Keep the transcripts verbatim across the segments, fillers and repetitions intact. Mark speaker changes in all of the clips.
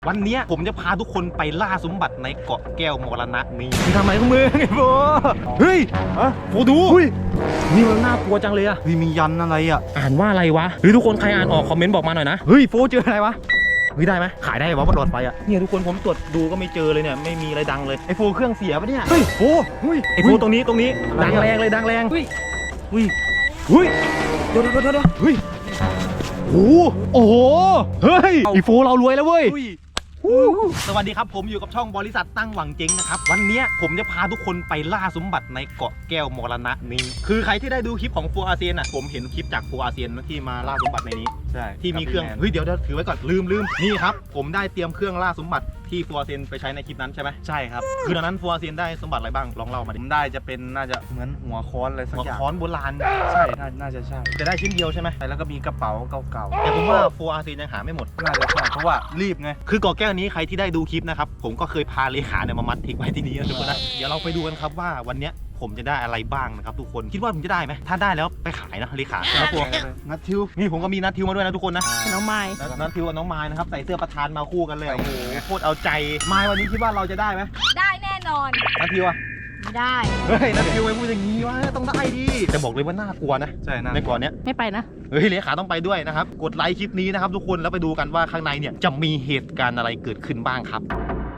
Speaker 1: วันนี้ผมจะพาทุกคนไปล่าสมบัติในเกาะแก้วมรณะนี้มึงทำอะไรของมึงไอ้โบเฮ้ยฮะโบดูนี่มันน่ากลัวจังเลยอะมียันอะไรอะอ่านว่าอะไรวะเฮ้ยทุกคนใครอ่านออกคอมเมนต์บอกมาหน่อยนะเฮ้ยโฟเจออะไรวะเฮ้ยได้ไหมขายได้วะบนรถไฟอะเนี่ยทุกคนผมตรวจดูก็ไม่เจอเลยเนี่ยไม่มีอะไรดังเลยไอ้โฟเครื่องเสียปะเนี่ยเฮ้ยโฟเฮ้ยไอ้โฟตรงนี้ตรงนี้ดังแรงเลยดังแรงเฮ้ยเฮ้ยเฮ้ยเดี๋ยวเดี๋ยวเดี๋ยวเฮ้ยโอ้โอ้โหเฮ้ยไอ้โฟเรารวยแล้วเว้ยสวัสดีครับผมอยู่กับช่องบริษัทตั้งหวังเจ๊งนะครับวันนี้ผมจะพาทุกคนไปล่าสมบัติในเกาะแก้วมรณะนี้คือใครที่ได้ดูคลิปของโฟอาเซียนอ่ะผมเห็นคลิปจากโฟอาเซียนที่มาล่าสมบัติในนี้ใช่ที่มีเครื่องเฮ้ยเดี๋ยวเดี๋ยวถือไว้ก่อนลืมลืมนี่ครับผมได้เตรียมเครื่องล่าสมบัติที่โฟอาเซียนไปใช้ในคลิปนั้นใช่ไหมใช่ครับคือตอนนั้นโฟอาเซียนได้สมบัติอะไรบ้างลองเล่ามาดิผมได้จะเป็นน่าจะเหมือนหัวค้อนอะไรสักอย่างหัวค้อนโบราณใช่น่าจะใช่จะได้ชิ้นเดียวใช่ไหมแล้วก็มีกระเป๋าเก่าๆแต่ผมว่าโฟอาเซียนยังหาไม่หมดน่าจะใช่เพราะว่ารีบไงคือเกาะแก้วนี้ใครที่ได้ดูคลิปนะครับผมก็เคยพาเลขาเนี่ยมามัดทิ้งไว้ที่นี่นะทุกคนนะเดี๋ยวเราไปดูกันครับว่าวันนี้ผมจะได้อะไรบ้างนะครับทุกคนคิดว่าผมจะได้ไหมถ้าได้แล้วไปขายนะเลขาแล้วพวกนัททิวนี่ผมก็มีนัททิวมาด้วยนะทุกคนนะ
Speaker 2: น้องไม้
Speaker 1: นัททิวกับน้องไม้นะครับใส่เสื้อประธานมาคู่กันเลยโอ้โหโคตรเอาใจไม้วันนี้คิดว่าเราจะได้ไหม
Speaker 2: ได้แน่นอน
Speaker 1: นัททิวอะ
Speaker 2: ไม่ได้
Speaker 1: เฮ้ยนัททิวไปพูดอย่างนี้วะต้องได้ดิจะบอกเลยว่าน่ากลัวนะใช่ในก่อนเนี้ย
Speaker 2: ไม่ไปนะ
Speaker 1: เฮ้ยเลขาต้องไปด้วยนะครับกดไลค์คลิปนี้นะครับทุกคนแล้วไปดูกันว่าข้างในเนี่ยจะมีเหตุการณ์อะไรเกิดขึ้นบ้างครับ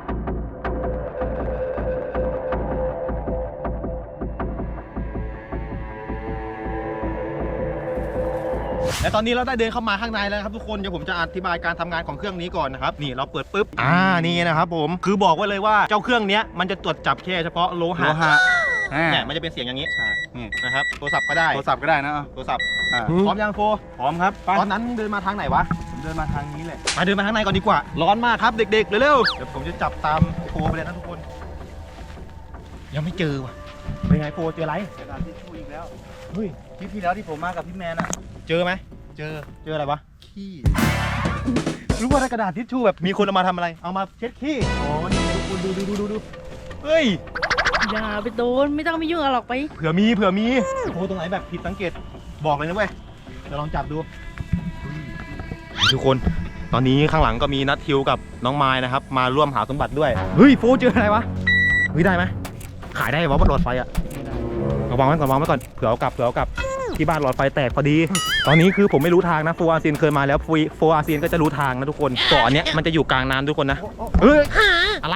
Speaker 1: และตอนนี้เราได้เดินเข้ามาข้างในแล้วครับทุกคนเดี๋ยวผมจะอธิบายการทำงานของเครื่องนี้ก่อนนะครับนี่เราเปิดปุ๊บอ่านี่นะครับผมคือบอกไว้เลยว่าเจ้าเครื่องนี้มันจะตรวจจับแค่เฉพาะโลหะเนี่ยมันจะเป็นเสียงอย่างนี้นี่นะครับโทรศัพท์ก็ได้
Speaker 3: โทรศัพท์ก็ได้นะ
Speaker 1: โทรศัพท์พร้อมยังโฟ
Speaker 3: พร้อมครับ
Speaker 1: ตอนนั้นเดินมาทางไหนวะ
Speaker 3: ผมเดินมาทางนี้แหละ
Speaker 1: มาเดินมาทางในก่อนดีกว่าร้อนมากครับเด็กๆเร็วๆเดี๋ยวผมจะจับตามโฟไปเลยนะทุกคนยังไม่เจอว่ะเป็นไงโฟเจออะไร
Speaker 3: กระดาษทิชชู่อีกแล้ว
Speaker 1: เฮ้ย
Speaker 3: คลิปที่แล้วที่ผมมากับพี่แมนอะ
Speaker 1: เจอไหม
Speaker 3: เจอ
Speaker 1: เจออะไรวะ
Speaker 3: ขี้
Speaker 1: รู้ว่าได้กระดาษทิชชู่แบบมีคนเอามาทำอะไรเอามาเช็ดขี้อ๋อนี่ดูดูดูดูดูดูเฮ้ย
Speaker 2: อย่าไปโดนไม่ต้องไปยุ่งหรอกไป
Speaker 1: เผื่อมีเผื่อมีโอ้ตรงไหนแบบผิดสังเกตบอกเลยนะเว้ยจะลองจับดูทุกคนตอนนี้ข้างหลังก็มีนัททิวกับน้องไม้นะครับมาร่วมหาสมบัติด้วยเฮ้ยโฟเจออะไรวะเฮ้ยได้ไหมขายได้วะบนรถไฟอะเอาวางไว้ก่อนวางไว้ก่อนเผื่อเอากลับเผื่อเอากลับที่บ้านหลอดไฟแตกพอดีตอนนี้คือผมไม่รู้ทางนะโฟอาเซียนเคยมาแล้วโฟอาเซียนก็จะรู้ทางนะทุกคนเกาะเนี้ยมันจะอยู่กลางน้ำทุกคนนะเฮ้ยอะไร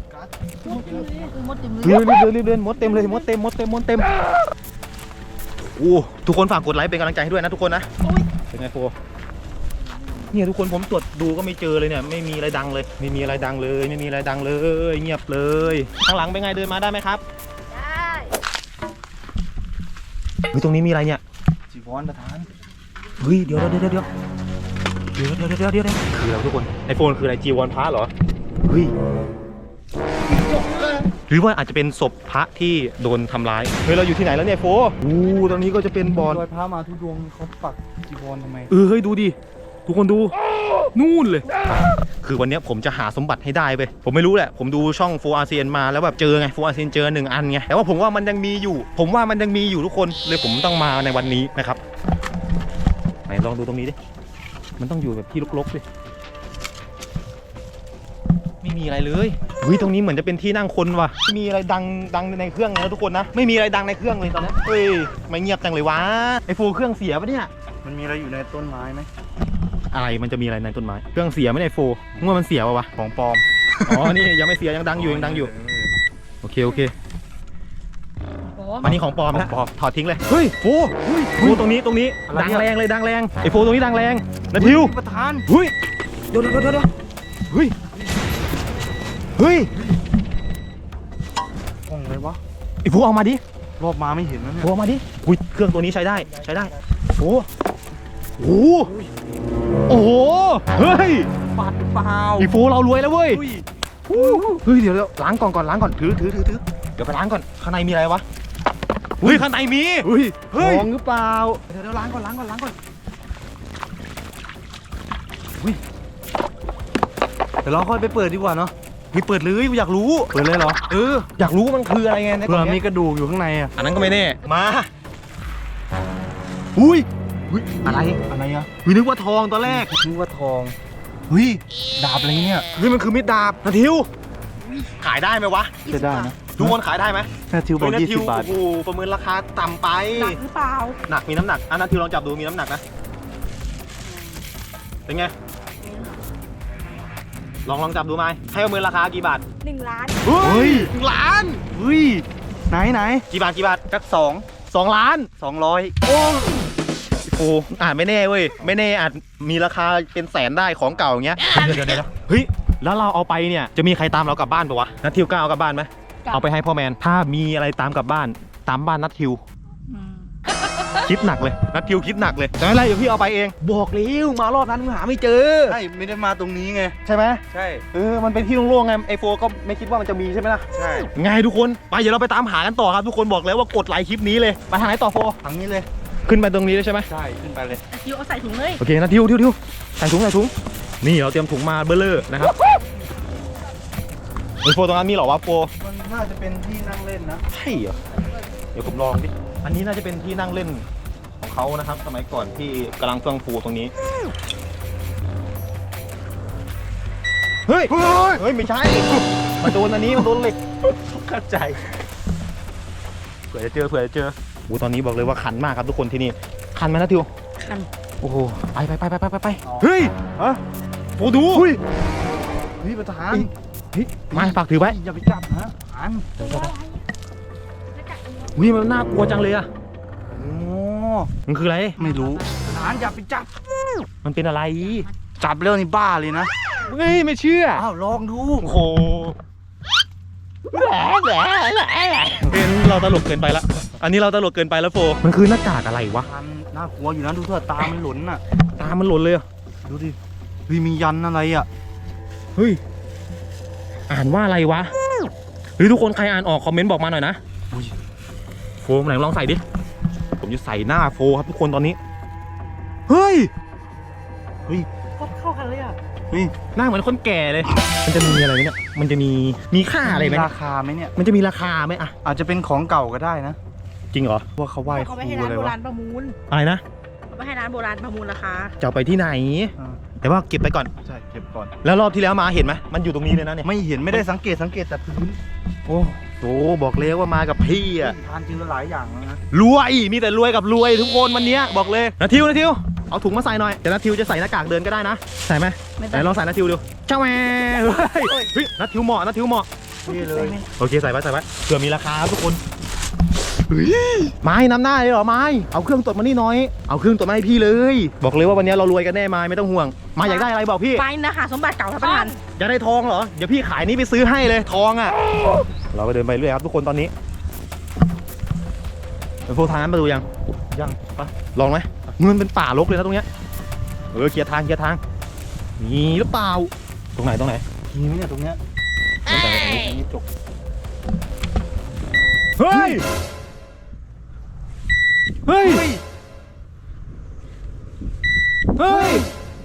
Speaker 1: รีบเดินรีบเดินมดเต็มเลยมดเต็มมดเต็มมดเต็มโอ้ทุกคนฝากกดไลค์เป็นกำลังใจให้ด้วยนะทุกคนนะเป็นไงโฟเนี่ยทุกคนผมตรวจดูก็ไม่เจอเลยเนี่ยไม่มีอะไรดังเลยไม่มีอะไรดังเลยไม่มีอะไรดังเลยเงียบเลยข้างหลังเป็นไงเดินมาได้ไหมครับ
Speaker 2: ได้
Speaker 1: เฮ้ยตรงนี้มีอะไรเนี่ย
Speaker 3: จีวรประธาน
Speaker 1: เฮ้ยเดี๋ยวเดี๋ยวเดี๋ยวเดี๋ยวเดี๋ยวเดี๋ยวเดี๋ยวเดี๋ยวคืออะไรทุกคนไอโฟนคืออะไรจีวรพระเหรอเฮ้ยหรือว่าอาจจะเป็นศพพระที่โดนทำร้ายเฮ้ยเราอยู่ที่ไหนแล้วเนี่ยโฟอู้ตรงนี้ก็จะเป็นบ่อ
Speaker 3: รอยพระมาทุดวงเขาปักจีวรทำไม
Speaker 1: เออเฮ้ยดูดิทุกคนดูนู่นเลยคือวันนี้ผมจะหาสมบัติให้ได้ไปผมไม่รู้แหละผมดูช่องโฟอาเซียนมาแล้วแบบเจอไงโฟอาเซียนเจอหนึ่งอันไงแต่ว่าผมว่ามันยังมีอยู่ผมว่ามันยังมีอยู่ทุกคนเลยผมต้องมาในวันนี้นะครับไหนลองดูตรงนี้ดิมันต้องอยู่แบบที่รกๆดิไม่มีอะไรเลยเฮ้ยตรงนี้เหมือนจะเป็นที่นั่งคนว่ะมีอะไรดังดังในเครื่องนะทุกคนนะไม่มีอะไรดังในเครื่องเลยตอนนี้เฮ้ยไม่เงียบจังเลยวะไอโฟเครื่องเสียปะเนี่ย
Speaker 3: มันมีอะไรอยู่ในต้นไม้ไหม
Speaker 1: อะไรมันจะมีอะไรในต้นไม้เครื่องเสียไม่ได้โฟงวดมันเสียป่ะวะ
Speaker 3: ของปลอม
Speaker 1: อ๋อนี่ยังไม่เสียยังดังอยู่ยังดังอยู่โอเคโอเคอันนี้ของปลอมนะถอดทิ้งเลยเฮ้ยโฟโฟตรงนี้ตรงนี้ดังแรงเลยดังแรงไอโฟตรงนี้ดังแรงนะทิว
Speaker 3: ประธาน
Speaker 1: เฮ้ยเดี๋ยวเดี๋ยวเดี๋ยวเฮ้ยเฮ้ย
Speaker 3: กล้องเลยวะ
Speaker 1: ไอโฟเอามาดิ
Speaker 3: รอบมาไม่เห็นนะเนี่ย
Speaker 1: โฟเอามาดิอุ้ยเครื่องตัวนี้ใช้ได้ใช้ได้โฟโอ้โอ้โหเฮ้ย
Speaker 3: บาดเปล่า
Speaker 1: อีโฟเรารวยแล้วเว้ยเฮ้ยเดี๋ยวล้างก่อนก่อนล้างก่อนถือถือถือถือเดี๋ยวไปล้างก่อนข้างในมีอะไรวะเฮ้ยข้างในมี
Speaker 3: เฮ้ยทองหรือเปล่า
Speaker 1: เดี๋ยวเดี๋ยวล้างก่อนล้างก่อนล้างก่อนเฮ้ย
Speaker 3: เดี๋ยวเราค่อยไปเปิดดีกว่าเนาะ
Speaker 1: มีเปิดเลยอยากรู้
Speaker 3: เปิดเลยเหรอ
Speaker 1: เอออยากรู้มันคืออะไรไง
Speaker 3: เผื่อมีกระดูกอยู่ข้างในอ่ะ
Speaker 1: อันนั้นก็ไม่แน่มาอุ้ย
Speaker 3: อะไรอะไรอ่ะ
Speaker 1: นึกว่าทองตอนแรก
Speaker 3: นึกว่าทองเฮ้ยดาบอะไรเนี่ย
Speaker 1: เฮ้ยมันคือมีดดาบนาทิวขายได้ไหมวะ
Speaker 3: จะได้นะ
Speaker 1: ทุกคนขายได้ไหม
Speaker 3: นาทิวบอก
Speaker 1: เฮ้ย
Speaker 3: ยี่
Speaker 1: นาทิ
Speaker 3: สิ
Speaker 1: ว
Speaker 3: บบาท
Speaker 1: โอ้โหประเมินราคาต่ำไป
Speaker 2: หนักหรือเปล่า
Speaker 1: หนักมีน้ำหนักอ่ะนาทิวลองจับดูมีน้ำหนักนะเป็นไงลองลองจับดูไหมให้ประเมินราคากี่บาท
Speaker 2: หนึ่งล้าน
Speaker 1: เฮ้
Speaker 3: เฮ้
Speaker 1: ย
Speaker 3: ย
Speaker 1: หนึ่งล้าน
Speaker 3: เฮ้ยไหนไหน
Speaker 1: กี่บาทกี่บาท
Speaker 3: จักสอง
Speaker 1: สองล้าน
Speaker 3: สองร้อย
Speaker 1: โอ้โหอ่านไม่แน่เว้ยไม่แน่อาจมีราคาเป็นแสนได้ของเก่าอย่างเงี้ยเดี๋ยวเดี๋ยวเดี๋ยวเฮ้ยแล้วเราเอาไปเนี่ยจะมีใครตามเรากลับบ้านปะวะนัททิวกล้าเอากลับบ้านไหมเอาไปให้พ่อแมนถ้ามีอะไรตามกลับบ้านตามบ้านนัททิว
Speaker 2: อืม
Speaker 1: คิดหนักเลยนัททิวคิดหนักเลยแต่ไม่เป็นไรเดี๋ยวพี่เอาไปเองบอกแล้วมารอบนั้นมึงหาไม่เจอ
Speaker 3: ใช่ไม่ได้มาตรงนี้ไง
Speaker 1: ใช่ไหม
Speaker 3: ใช่
Speaker 1: เออมันเป็นที่โล่งๆไงไอโฟก็ไม่คิดว่ามันจะมีใช่ไหมล่ะ
Speaker 3: ใช่
Speaker 1: ไงทุกคนไปเดี๋ยวเราไปตามหากันต่อครับทุกคนบอกแล้วว่ากดไลค์คลิปนี้เลยไปทางไหนต่อโฟ
Speaker 3: ทางนี้เลย
Speaker 1: ขึ้นไปตรงนี้เลยใช่ไหม
Speaker 3: ใช่ขึ้นไปเลย
Speaker 2: ทิวเอาใส่ถุงเลย
Speaker 1: โอเคนะทิวทิวทิวใส่ถุงใส่ถุงนี่เราเตรียมถุงมาเบลเลอร์นะครับไอโฟตรงนั้นมีเหรอวะโฟ
Speaker 3: มันน่าจะเป็นที่นั่งเล่นนะ
Speaker 1: ใช่เหรอเดี๋ยวผมลองดิอันนี้น่าจะเป็นที่นั่งเล่นของเขานะครับสมัยก่อนที่กำลังเฟื่องฟูตรงนี้เฮ้ย
Speaker 3: เฮ้ย
Speaker 1: เฮ้ยไม่ใช่มาโดนอันนี้มาโดนเหล็ก
Speaker 3: เข้าใจ
Speaker 1: เผื่อจะเจอเผื่อจะเจอโอ้ตอนนี้บอกเลยว่าคันมากครับทุกคนที่นี่คันไหมนะทิว
Speaker 2: คัน
Speaker 1: โอ้โหไปไปไปไปไปไปเฮ้ย
Speaker 3: ฮะ
Speaker 1: โฟดู
Speaker 3: เฮ้ยเฮ้ยประธาน
Speaker 1: เฮ้ยมาฝากถือไว้
Speaker 3: อย่าไปจับนะอัน
Speaker 1: วิมันน่ากลัวจังเลยอะ
Speaker 3: โอ้
Speaker 1: มันคืออะไร
Speaker 3: ไม่รู้ประธานอย่าไปจับ
Speaker 1: มันเป็นอะไร
Speaker 3: จับแล้วนี่บ้าเลยนะ
Speaker 1: เฮ้ยไม่เชื่อ
Speaker 3: อ้าวลองดู
Speaker 1: โอ้โหแหละแหละแหละเป็นเราตลกเกินไปละอันนี้เราตลกเกินไปแล้วโฟมันคือหน้ากากอะไรวะ
Speaker 3: ประธานน่ากลัวอยู่นะดูเถอะตามันหล่นน่ะ
Speaker 1: ตามันหล่นเลยอะ
Speaker 3: ดูดิเฮ้ยมียันอะไรอ่ะ
Speaker 1: เฮ้ยอ่านว่าอะไรวะเฮ้ยทุกคนใครอ่านออกคอมเมนต์บอกมาหน่อยนะ
Speaker 3: อุ้ย
Speaker 1: โฟมไหนลองใส่ดิผมจะใส่หน้าโฟครับทุกคนตอนนี้เฮ้ย
Speaker 3: เฮ้ย
Speaker 2: ก็เข้ากันเลยอ่ะ
Speaker 3: เฮ้ย
Speaker 1: หน้าเหมือนคนแก่เลย มันจะมีอะไรไหมเนี่ย มันจะมี มีค่าอะไรไหม
Speaker 3: มี
Speaker 1: เนี่ย
Speaker 3: ราคาไหมเนี่ย
Speaker 1: มันจะมีราคาไหมอะ
Speaker 3: อาจจะเป็นของเก่าก็ได้นะ
Speaker 1: จริงเหรอ
Speaker 3: ว่าเขาไหว้ค
Speaker 2: เขา
Speaker 3: รู
Speaker 2: ไปให้
Speaker 3: อะ
Speaker 2: ร้าน
Speaker 3: ไร
Speaker 2: โบ
Speaker 3: วะ
Speaker 2: ราณประมูล
Speaker 1: อะไรนะ
Speaker 2: เขาไปให้ร้านโบราณประมูลราคา
Speaker 1: จะเอาไปที่ไหน
Speaker 3: อ่า
Speaker 1: แต่ว่าเก็บไปก่อน
Speaker 3: ใช่เก็บก่อน
Speaker 1: แล้วรอบที่แล้วมาเห็นไหมมันอยู่ตรงนี้เลยนะเนี่ย
Speaker 3: ไม่เห็นไม่ได้สังเกตสังเกตแต่พื้น
Speaker 1: โอ้โหบอกเลยว่ามากับพี่อะ
Speaker 3: ทานเจอหลายอย่างแล้วนะ
Speaker 1: รวย มีแต่รวยกับรวยทุกคนวันเนี้ยบอกเลยนาทิวนาทิว เอาถุงมาใส่หน่อย เดี๋ยวนาทิวจะใส่หน้ากากเดินก็ได้นะ ใส่ไหม
Speaker 2: ไม่
Speaker 1: ไหน
Speaker 2: ได้
Speaker 1: ลองใส่นาทิวดูเจ้าแม่เฮ้ยเฮ้ยนาทิวเหมาะนาทิวเหมาะ
Speaker 3: นี่เลย
Speaker 1: โอเคใส่ไว้ใส่ไว้เผื่อมีราคาทุกคนไม้นำหน้าเลยเหรอไม้เอาเครื่องตรวจมานี่หน้อยเอาเครื่องตรวจมาให้พี่เลย บอกเลยว่าวันนี้เรารวยกันแน่ไม้ไม่ต้องห่วงมาอยากได้อะไรบอกพี่
Speaker 2: ไปนะคะสมบัติเก่าท่านประธาน
Speaker 1: อยากได้ทองเหรอเดี๋ยวพี่ขายนี้ไปซื้อให้เลยทองอ่ะเราก็เดินไปเรื่อยครับทุกคนตอนนี้เป็นพวกทางนั้นมาดูยัง
Speaker 3: ยังปะ
Speaker 1: ลองไหมมันเป็นป่ารกเลยนะตรงเนี้ยเออเคลียร์ทางเคลียร์ทางมีหรือเปล่าตรงไหนตรงไหน
Speaker 3: มีไหมเนี่ยตรงเนี้ย
Speaker 1: ตรงไหน
Speaker 3: อันนี้จก
Speaker 1: เฮ้ยเฮ้ยเฮ้ย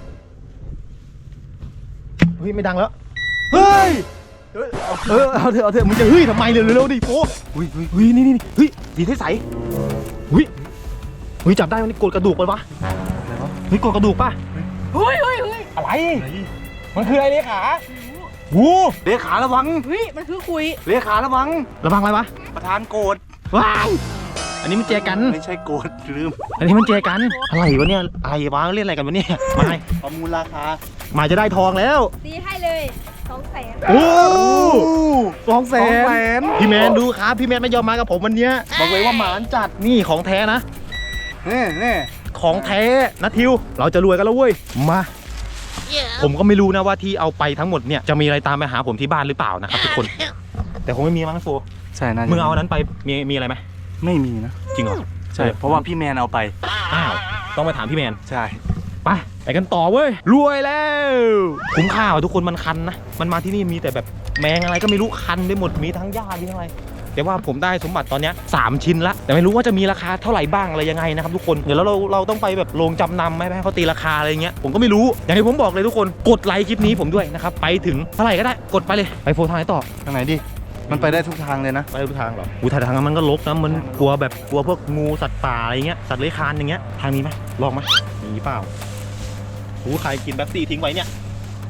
Speaker 1: เฮ้ยไม่ดังแล้วเฮ้ย
Speaker 3: เฮ้ยเอา
Speaker 1: เออเอาเถอะเอาเถอะมึงจะเฮ้ยทำไมเร็วเร็วๆดิโฟ
Speaker 3: อุ้ยอุ้ย
Speaker 1: เฮ้ยนี่นี่นี่เฮ้ยดีให้ใสเฮ้ยเฮ้ยจับได้มันนี่กดกระดูกไปปะ
Speaker 3: อะไรวะ
Speaker 1: เฮ้ยกดกระดูกปะ
Speaker 2: เฮ้ยเฮ้ยเฮ้ย
Speaker 1: อะไร
Speaker 3: ไหน
Speaker 1: มันคืออะไรเลขาวู
Speaker 3: เลขาระวัง
Speaker 2: เฮ้ยมันคือคุย
Speaker 3: เลขาระวัง
Speaker 1: ระวังอะไรวะ
Speaker 3: ประธานโกรธ
Speaker 1: ว้ายอันนี้มันเจอกัน
Speaker 3: ไม่ใช่โกรธลืม
Speaker 1: อันนี้มันเจอกันอะไรวะเนี่ยอะไรวะเล่นอะไรกันวะเนี่ยไม่
Speaker 3: ประมูลราคา
Speaker 1: มาจะได้ทองแล้ว
Speaker 2: ตีให้เลยสองแสน
Speaker 1: โอ้สองแส
Speaker 3: สองแส
Speaker 1: น
Speaker 3: น
Speaker 1: พี่แมนดูครับพี่แมนไม่ยอมมากับผมวันเนี้ยบอกเลยว่าหมานจัดนี่ของแท้นะ
Speaker 3: นี่นี่
Speaker 1: ของแท้นะทิว เราจะรวยกันแล้วเว้ย มา ผมก็ไม่รู้นะว่าที่เอาไปทั้งหมดเนี่ยจะมีอะไรตามไปหาผมที่บ้านหรือเปล่านะครับทุกคน แต่คงไม่มีมั้งโฟ
Speaker 3: ใช่นะ
Speaker 1: มึงเอาอันนั้นไปมีมีอะไรไหม
Speaker 3: ไม่มีนะ
Speaker 1: จริงเหรอ
Speaker 3: ใช่เพราะว่าพี่แมนเอาไป
Speaker 1: อ้าวต้องไปถามพี่แมน
Speaker 3: ใช่
Speaker 1: ไปไปกันต่อเว้ยรวยแล้วคุ้มค่าว่ะทุกคนมันคันนะมันมาที่นี่มีแต่แบบแมงอะไรก็ไม่รู้คันไปหมดมีทั้งหญ้ามีทั้งอะไรแต่ว่าผมได้สมบัติตอนเนี้ยสามชิ้นละแต่ไม่รู้ว่าจะมีราคาเท่าไหร่บ้างอะไรยังไงนะครับทุกคนเดี๋ยวเราเราเราต้องไปแบบโรงจำนำไหมให้เขาตีราคาอะไรเงี้ยผมก็ไม่รู้อย่างที่ผมบอกเลยทุกคนกดไลค์คลิปนี้ผมด้วยนะครับไปถึงเท่าไหร่ก็ได้กดไปเลยไปโฟทางไหนต่อ
Speaker 3: ทางไหนดิ มันไปได้ทุกทางเลยนะ
Speaker 1: ไปทุกทางเหรออูทางนั้นมันก็รกนะมันกลัวแบบกลัวพวกงูสัตว์ป่าอะไรเงี้ยสัตว์เลื้อยคลานอย่างเงี้ยทางนี้ไหมลองไหมมีเปล่าหูใครกินแป๊บซี่ทิ้งไว้เนี่ย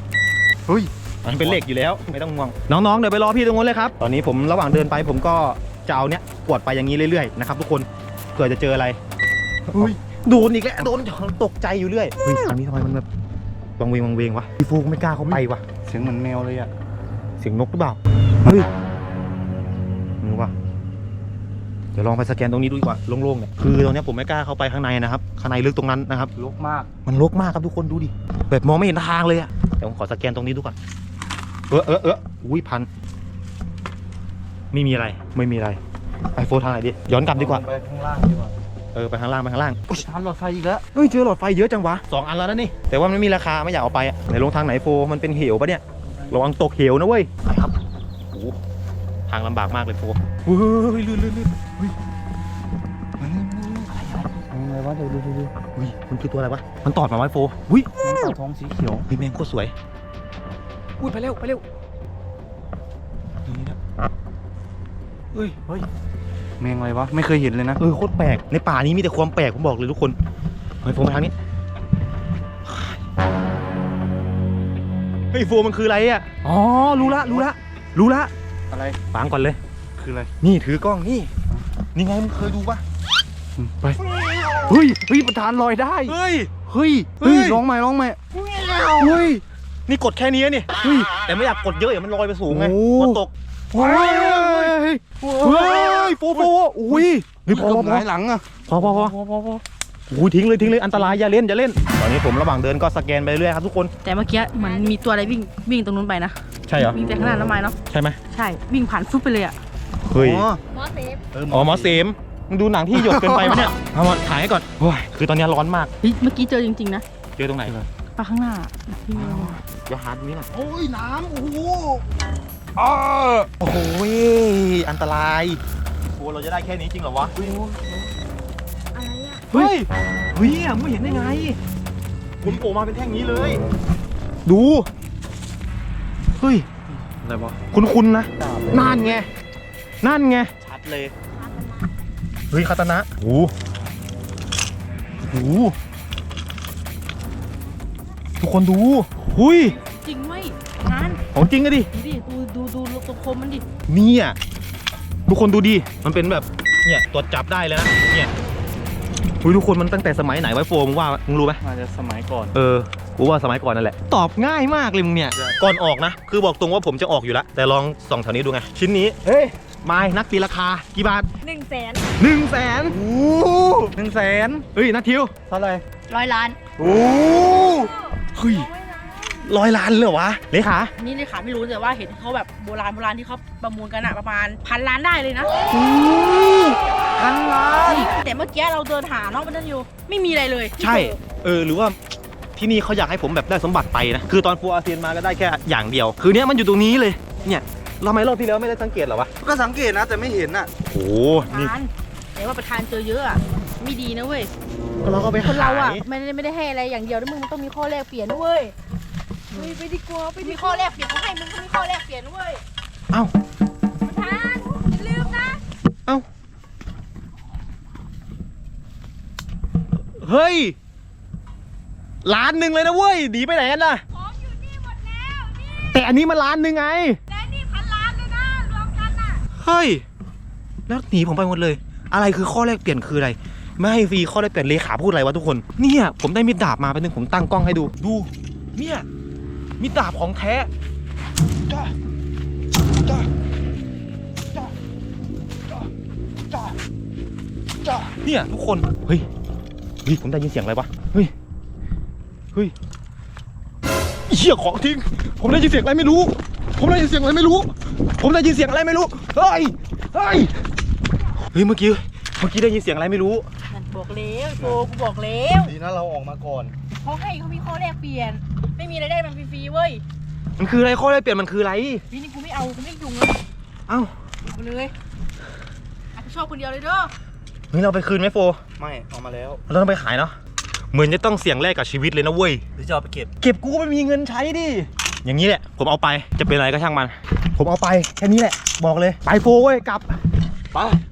Speaker 3: เฮ้ย
Speaker 1: มันเป็นเหล็กอยู่แล้วไม่ต้องห่วงน้องๆเดี๋ยวไปรอพี่ตรงนู้นเลยครับตอนนี้ผมระหว่างเดินไปผมก็จะเอาเนี้ยกวดไปอย่างนี้เรื่อยๆนะครับทุกคนเผื่อจะเจออะไรเฮ้ยโดนอีกแล้วโดนตกใจอยู่เรื่อยเฮ้ยทางนี้ทำไมมันแบบวังเวงวังเวงวะพี่ฟูไม่กล้าเข้าไปวะ
Speaker 3: เสียงเหมือนแมวเลยอ่ะ
Speaker 1: เสียงนกหรือเปล่าเฮ้ยมึงวะเดี๋ยวลองไปสแกนตรงนี้ดูดีกว่าโล่งๆเนี่ยคือตรงเนี้ยผมไม่กล้าเข้าไปข้างในนะครับข้างในลึกตรงนั้นนะครับ
Speaker 3: รกมาก
Speaker 1: มันรกมากครับทุกคนดูดิแบบมองไม่เห็นทางเลยอะเดี๋ยวผมขอสแกนตรงนี้ดูก่อนเออเออเอออุ้ยพันไม่มีอะไรไม่มีอะไรไปโฟนทางไหนดิย้อนกลับดีกว่า
Speaker 3: ไปข้างล่างดีกว่า
Speaker 1: เออไปข้างล่างไปข้างล่าง
Speaker 3: ทานหลอดไฟอีกแล้ว
Speaker 1: เฮ้ยเจอหลอดไฟเยอะจังวะสองอันแล้วนะนี่แต่ว่ามันไม่มีราคาไม่อยากเอาไปอะไหนลงทางไหนโฟมันเป็นเหวปะเนี่ยระวังตกเหวนะเว้ยไปครับโอ้โหทางลำบากมากเลยโฟเฮ้ยลื่นลื่นลื่นเฮ้ย
Speaker 3: มันนี่อะไรอะไรวะเดี๋ยวดูดูดู
Speaker 1: เฮ้ยมันคือตัวอะไรวะมันตอดมาไว้โฟอุ้ย
Speaker 3: มันปลาท้องสีเขียว
Speaker 1: เฮ้ยแมงโคตรสวย
Speaker 2: อุ้ยไปเร็วไปเร็ว
Speaker 1: นี่นะเฮ้ยเฮ้ย
Speaker 3: แมงอะไรวะไม่เคยเห็นเลยนะ
Speaker 1: เออโคตรแปลกในป่านี้มีแต่ความแปลกผมบอกเลยทุกคนเฮ้ยโฟมาทางนี้เฮ้ยโฟมันคืออะไรอ่ะอ๋อรู้ละรู้ละรู้ละ
Speaker 3: อะไร
Speaker 1: ฟังก่อนเลย
Speaker 3: คืออะไร
Speaker 1: นี่ถือกล้องนี่นี่ไงมึงเคยดูปะ
Speaker 3: อืมไปเฮ้ยเฮ้ยประธานลอยได้
Speaker 1: เฮ้ย
Speaker 3: เฮ้ย
Speaker 1: เฮ้
Speaker 3: เฮ้
Speaker 1: ย
Speaker 3: ยร้องใหม่ร้องใหม่
Speaker 1: เฮ้ยนี่กดแค่นี้นี่เฮ้ยแต่ไม่อยากกดเยอะอย่ามันลอยไปสูงไง
Speaker 3: โอ้
Speaker 1: กดตก
Speaker 3: เฮ้ย
Speaker 1: เฮ้ยโฟโฟอุ้ยเฮ้ยพอ
Speaker 3: เกื
Speaker 1: พ
Speaker 3: อ
Speaker 1: อบ พ
Speaker 3: ห
Speaker 1: อ
Speaker 3: งายหลังอ่ะ
Speaker 1: พอพอพอ
Speaker 3: พอพอพอ
Speaker 1: อุ้ยทิ้งเลยทิ้งเลยอันตรายอย่าเล่นอย่าเล่นตอนนี้ผมระหว่างเดินก็สแกนไปเรื่อยครับทุกคน
Speaker 2: แต่เมื่อกี้เหมือนมีตัวอะไรวิ่งวิ่งตรงนู้นไปนะ
Speaker 1: ใช่เหรอ
Speaker 2: วิ่งจากข้างหน้าน้ำไม้เนาะ
Speaker 1: ใช่ไหม
Speaker 2: ใช่วิ่งผ่านฟุบไปเลยอ่ะ
Speaker 1: เฮ้ย
Speaker 3: อ๋อ
Speaker 2: หมอเซฟ
Speaker 3: เออ
Speaker 1: อ๋อหมอเสมมึงดูหนังที่หยดเกินไปปะเนี่ยเอามาถ่ายให้ก่อนโอ้ยคือตอนนี้ร้อนมาก
Speaker 2: เฮ้ยเมื่อกี้เจอจริงๆนะ
Speaker 1: เจอตรงไหน
Speaker 2: ปลาข้างหน้าที่มี
Speaker 1: เดี๋ยวหาตรงนี้หน่อย
Speaker 3: โอ้ยน้ำโอ้โห
Speaker 1: อ้อโอ้โหอันตรายโอ้เราจะได้แค่นี้จริงเหรอวะ
Speaker 2: อะไรอ่ะ
Speaker 1: เฮ้ยเฮ้ยไม่เห็นได้ไงคุณโผล่มาเป็นแท่งนี้เลย ดูเฮ้ย
Speaker 3: อะไรวะ
Speaker 1: คุณคุณนะนั่นไงนั่นไง
Speaker 3: ชัดเลย
Speaker 1: เฮ้ยคาตานะโอ้โหทุกคนดูหุย
Speaker 2: จริงไหมงาน
Speaker 1: ของจริงอะดิ
Speaker 2: ดูดิดูดูดูดูตรงคมมันดิ
Speaker 1: เนี่ยทุกคนดูดิมันเป็นแบบเนี่ยตรวจจับได้เลยนะเนี่ยหุยทุกคนมันตั้งแต่สมัยไหนไว้โฟมงว่ามึงรู้ไหม
Speaker 3: น่าจะสมัยก่อน
Speaker 1: เออกูว่าสมัยก่อนนั่นแหละตอบง่ายมากเลยมึงเนี่ยก่อนออกนะคือบอกตรงว่าผมจะออกอยู่แล้วแต่ลองส่องแถวนี้ดูไงชิ้นนี้เฮ้ยไม้นักตีราคากี่บาท
Speaker 2: หนึ่งแสน
Speaker 1: หนึ่งแสน
Speaker 3: โอ้หนึ่งแสน
Speaker 1: เฮ้ยนัททิว
Speaker 3: เท่าไหร่
Speaker 2: ร้อยล้าน
Speaker 3: โอ้เฮ้ย
Speaker 1: ร้อยล้านเลยเหรอวะเลขา
Speaker 2: นี่เลยค่ะไม่รู้แต่ว่าเห็นเขาแบบโบราณโบราณที่เขาประมูลกันอะประมาณพันล้านได้เลยนะ
Speaker 3: พันล้าน
Speaker 2: แต่เมื่อกี้เราเดินหาเนาะมันนั่นอยู่ไม่มีอะไรเลย
Speaker 1: ใช่เออหรือว่าที่นี่เขาอยากให้ผมแบบได้สมบัติไปนะคือตอนฟูอาเซียนมาก็ได้แค่อย่างเดียว คือเนี้ยมันอยู่ตรงนี้เลยเนี่ยเราไม่รอบที่แล้วไม่ได้สังเกตเหรอวะ
Speaker 3: ก็สังเกตนะแต่ไม่เห็นอ่ะ
Speaker 1: โอ้นี่
Speaker 2: ทานแต่ว่าประธานเจอเยอะอะไม่ดีนะเว้ย
Speaker 1: ก็เราก็ไป
Speaker 2: คน
Speaker 1: หา
Speaker 2: เราอะ
Speaker 1: ย
Speaker 2: ไม่ได้ไม่ได้ให้อะไรอย่างเดียวนะมึงมันต้องมีข้อแลกเปลี่ยนนะเว้ยเฮ้ยไปดีกว่าไปมีข้อแลกเปลี่ยนเขาให้มึงก็มีข้อแลกเปลี่ยนนะเว้ย
Speaker 1: เอ้า
Speaker 2: ประธานอย่าลืมนะ
Speaker 1: เอ้าเฮ้ยล้านหนึ่งเลยนะเว้ยหนีไปไหนกันล่ะ
Speaker 2: ของอยู่นี่หมดแล้วนี่
Speaker 1: แต่อันนี้มันล้านหนึ่งไง
Speaker 2: และนี่พันล้านเลยนะรวมกันน่ะ
Speaker 1: เฮ้ยแล้วหนีผมไปหมดเลย อะไรคือข้อแรกเปลี่ยนคืออะไรไม่ให้ฟรีข้อแรกเปลี่ยนเลขาพูดอะไรวะทุกคนเนี่ยผมได้มีดดาบมาเป็นหนึ่งผมตั้งกล้องให้ดูดูเนี่ยมีดดาบของแท้จ้าจ้าจ้าจ้าจ้าจ้าเนี่ยทุกคนเฮ้ยเฮ้ยผมได้ยินเสียงอะไรวะเฮ้ยเฮ้ยเหี้ยของทิ้งผมได้ยินเสียงอะไรไม่รู้ ผมได้ยินเสียงอะไรไม่รู้ ผมได้ยินเสียงอะไรไม่รู้เฮ้ยเฮ้ยเฮ้ยเมื่อกี้เมื่อกี้ได้ยินเสียงอะไรไม่รู้
Speaker 2: นั่นบอกแล้วโฟกูบอกแล้ว
Speaker 3: ดีนะเราออกมาก่อน
Speaker 2: เขาให้เขามีข้อแลกเปลี่ยน ไม่มีอะไรได้มันฟรีๆเว้ย
Speaker 1: มันคืออะไรข้อแรกเปลี่ยนมันคืออะไร
Speaker 2: พี่นี่กูไม่เอากูไม่ยุ่งเลย
Speaker 1: เอ้า
Speaker 2: กูเลยอาจจะชอบคนเดียวเลยเด้อ
Speaker 1: เฮ้ยเราไปคืนไหมโฟ
Speaker 3: ไม่ออกมาแล้ว
Speaker 1: เราต้องไปขายเนาะเหมือนจะต้องเสี่ยงแลกกับชีวิตเลยนะเว้ย
Speaker 3: หรือจะเอาไปเก็บ
Speaker 1: เก็บกูก็ไม่มีเงินใช้ดิอย่างนี้แหละผมเอาไปจะเป็นอะไรก็ช่างมัน ผมเอาไปแค่นี้แหละบอกเลยไปโฟเว้ยกลับไป